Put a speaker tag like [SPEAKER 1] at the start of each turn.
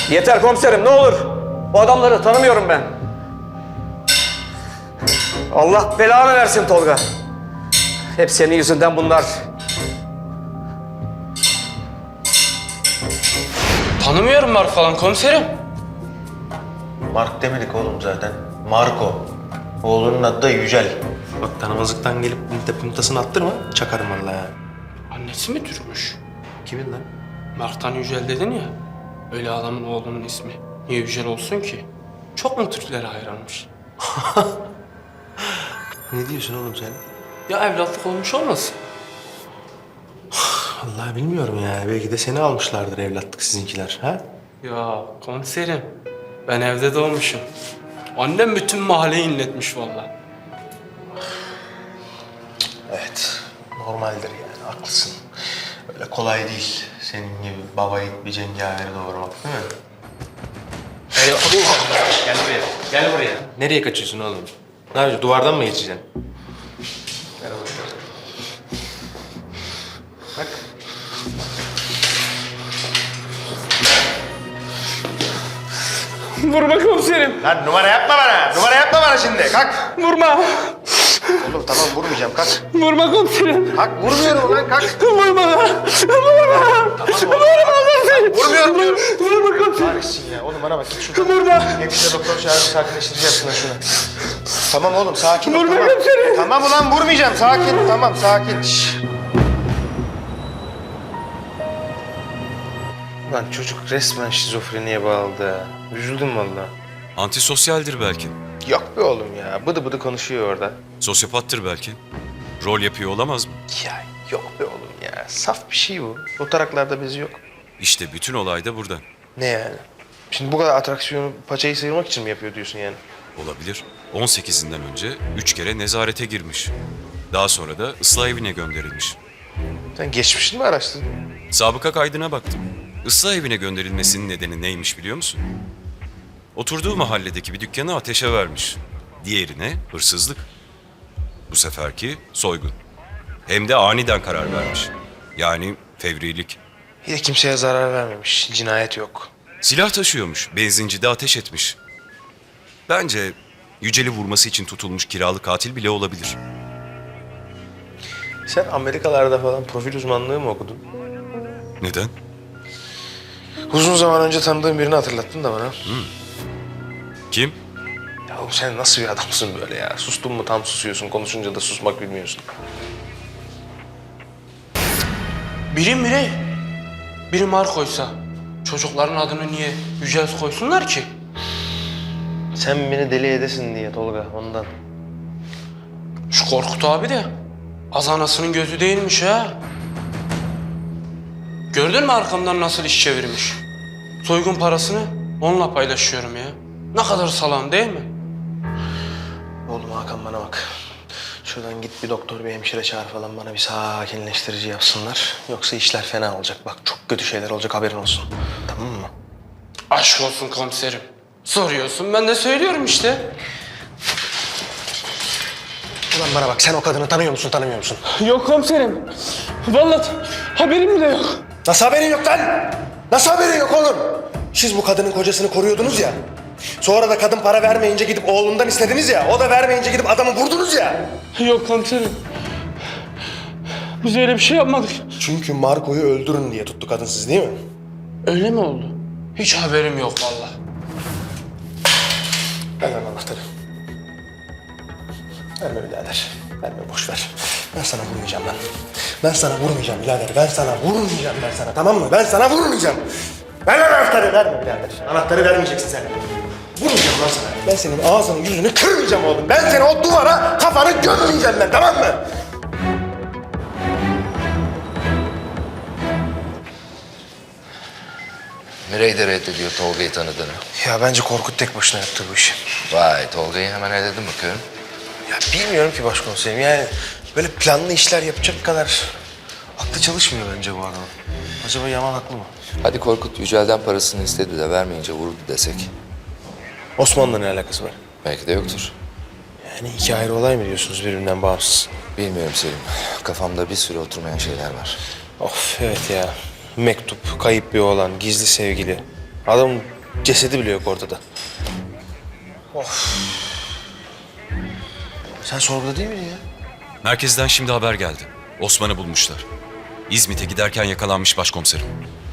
[SPEAKER 1] Yeter komiserim, ne olur. Bu adamları tanımıyorum ben. Allah belanı versin Tolga. Hep senin yüzünden bunlar.
[SPEAKER 2] Tanımıyorum Mark falan komiserim.
[SPEAKER 3] Mark demedik oğlum zaten. Marco. Oğlunun adı da Yücel. Bak tanımazlıktan gelip puntasını attırma. Çakarım vallahi.
[SPEAKER 2] Annesi mi Türkmüş?
[SPEAKER 3] Kimin lan?
[SPEAKER 2] Mark'tan Yücel dedin ya. Öyle adamın oğlunun ismi. Niye Yücel olsun ki? Çok mu Türklere hayranmış?
[SPEAKER 3] Ne diyorsun oğlum sen?
[SPEAKER 2] Ya evlatlık olmuş olmasın?
[SPEAKER 3] Vallahi bilmiyorum ya. Belki de seni almışlardır evlatlık sizinkiler. Ha?
[SPEAKER 2] Ya komiserim, ben evde doğmuşum. Annem bütün mahalleyi inletmiş vallahi.
[SPEAKER 3] Evet. Normaldir yani. Haklısın. Öyle kolay değil. Senin gibi baba yiğit bir cengaveri doğurmak değil mi? Gel buraya. Gel buraya. Nereye kaçıyorsun oğlum? Ne yapacaksın? Duvardan mı geçeceksin? Gel buraya. Bak.
[SPEAKER 2] Vurma komiserim,
[SPEAKER 3] Lan numara yapma bana. Numara yapma bana şimdi. Kalk.
[SPEAKER 2] vurma.
[SPEAKER 3] Oğlum tamam vurmayacağım. Kalk.
[SPEAKER 2] Vurma komiserim.
[SPEAKER 3] Kalk vurmuyorum lan kalk.
[SPEAKER 2] Vurma. Vurma.
[SPEAKER 3] Vurmuyorum diyorum.
[SPEAKER 2] Vurma komiserim.
[SPEAKER 3] Kahretsin ya. Oğlum bana bak git şuradan.
[SPEAKER 2] Vurma.
[SPEAKER 3] Hepsi doktor çağırıp sakinleştireceğiz şunu. Tamam oğlum sakin ol.
[SPEAKER 2] Vurma
[SPEAKER 3] Tamam.
[SPEAKER 2] komiserim.
[SPEAKER 3] Tamam ulan vurmayacağım. Sakin. Tamam sakin. Şşş. Lan çocuk resmen şizofreniye bağladı ha. Üzüldüm vallahi.
[SPEAKER 4] Antisosyaldir belki.
[SPEAKER 3] Yok be oğlum ya. Bıdı bıdı konuşuyor orada.
[SPEAKER 4] Sosyopattır belki. Rol yapıyor olamaz mı?
[SPEAKER 3] Ya yok be oğlum ya. Saf bir şey bu. O taraklarda bezi yok.
[SPEAKER 4] İşte bütün olay da burada.
[SPEAKER 3] Ne yani? Şimdi bu kadar atraksiyonu paçayı sıyırmak için mi yapıyor diyorsun yani?
[SPEAKER 4] Olabilir. 18'inden önce 3 kere nezarete girmiş. Daha sonra da ıslah evine gönderilmiş.
[SPEAKER 3] Sen geçmişini mi araştırdın?
[SPEAKER 4] Sabıka kaydına baktım. Islah evine gönderilmesinin nedeni neymiş biliyor musun? Oturduğu mahalledeki bir dükkanı ateşe vermiş. Diğerine hırsızlık. Bu seferki soygun. Hem de aniden karar vermiş. Yani fevrilik.
[SPEAKER 3] Bir de kimseye zarar vermemiş. Cinayet yok.
[SPEAKER 4] Silah taşıyormuş. Benzincide ateş etmiş. Bence Yücel'i vurması için tutulmuş kiralık katil bile olabilir.
[SPEAKER 3] Sen Amerikalarda falan profil uzmanlığı mı okudun?
[SPEAKER 4] Neden?
[SPEAKER 3] Uzun zaman önce tanıdığım birini hatırlattın da bana.
[SPEAKER 4] Kim?
[SPEAKER 3] Ya oğlum sen nasıl bir adamsın böyle ya? Sustun mu tam susuyorsun, konuşunca da susmak bilmiyorsun.
[SPEAKER 2] Biri. Biri Marco'ysa çocukların adını niye Yücel koysunlar ki?
[SPEAKER 3] Sen beni deli edesin diye Tolga, ondan.
[SPEAKER 2] Şu Korkut abi de az anasının gözü değilmiş ha. Gördün mü arkamdan nasıl iş çevirmiş? Soygun parasını onunla paylaşıyorum ya. Ne kadar salam değil mi?
[SPEAKER 3] Oğlum Hakan bana bak. Şuradan git bir doktor, bir hemşire çağır falan bana bir sakinleştirici yapsınlar. Yoksa işler fena olacak. Bak çok kötü şeyler olacak haberin olsun. Tamam mı?
[SPEAKER 2] Aşk olsun komiserim. Soruyorsun ben de söylüyorum işte.
[SPEAKER 3] Ulan bana bak sen o kadını tanıyor musun tanımıyor musun?
[SPEAKER 2] Yok komiserim. Vallahi haberim bile yok.
[SPEAKER 3] Nasıl haberin yok lan? Nasıl haberin yok oğlum? Siz bu kadının kocasını koruyordunuz ya. Sonra da kadın para vermeyince gidip oğlundan istediniz ya. O da vermeyince gidip adamı vurdunuz ya.
[SPEAKER 2] Yok komiserim. Biz öyle bir şey yapmadık.
[SPEAKER 3] Çünkü Marco'yu öldürün diye tuttu kadın siz değil mi?
[SPEAKER 2] Öyle mi oldu? Hiç haberim yok vallahi.
[SPEAKER 3] Ver lan anahtarı. Verme birader. Verme boş ver. Ben sana vurmayacağım lan. Ben sana vurmayacağım birader. Ben sana vurmayacağım ben sana tamam mı? Ben sana vurmayacağım. Ver lan anahtarı. Verme birader. Anahtarı vermeyeceksin sen. Vurmayacağım lan sana. Ben senin ağzını yüzünü kırmayacağım oğlum. Ben seni o duvara kafanı gömmeyeceğim ben tamam mı?
[SPEAKER 5] Mirey de reddediyor Tolga'yı tanıdığını.
[SPEAKER 3] Ya bence Korkut tek başına yaptı bu işi.
[SPEAKER 5] Vay, Tolga'yı hemen elledin bakıyorum.
[SPEAKER 3] Ya bilmiyorum ki başkomiserim yani böyle planlı işler yapacak kadar aklı çalışmıyor bence bu adamın. Acaba Yaman haklı mı?
[SPEAKER 5] Hadi Korkut Yücel'den parasını istedi de vermeyince vurdu desek.
[SPEAKER 3] Osman'la ne alakası var?
[SPEAKER 5] Belki de yoktur.
[SPEAKER 3] Yani iki ayrı olay mı diyorsunuz birbirinden bağımsız?
[SPEAKER 5] Bilmiyorum Selim. Kafamda bir sürü oturmayan şeyler var.
[SPEAKER 3] Of evet ya. Mektup, kayıp bir oğlan, gizli sevgili. Adamın Cesedi bile yok ortada. Sen sorguda değil miydin ya?
[SPEAKER 4] Merkezden şimdi haber geldi. Osman'ı bulmuşlar. İzmit'e giderken yakalanmış başkomiserim.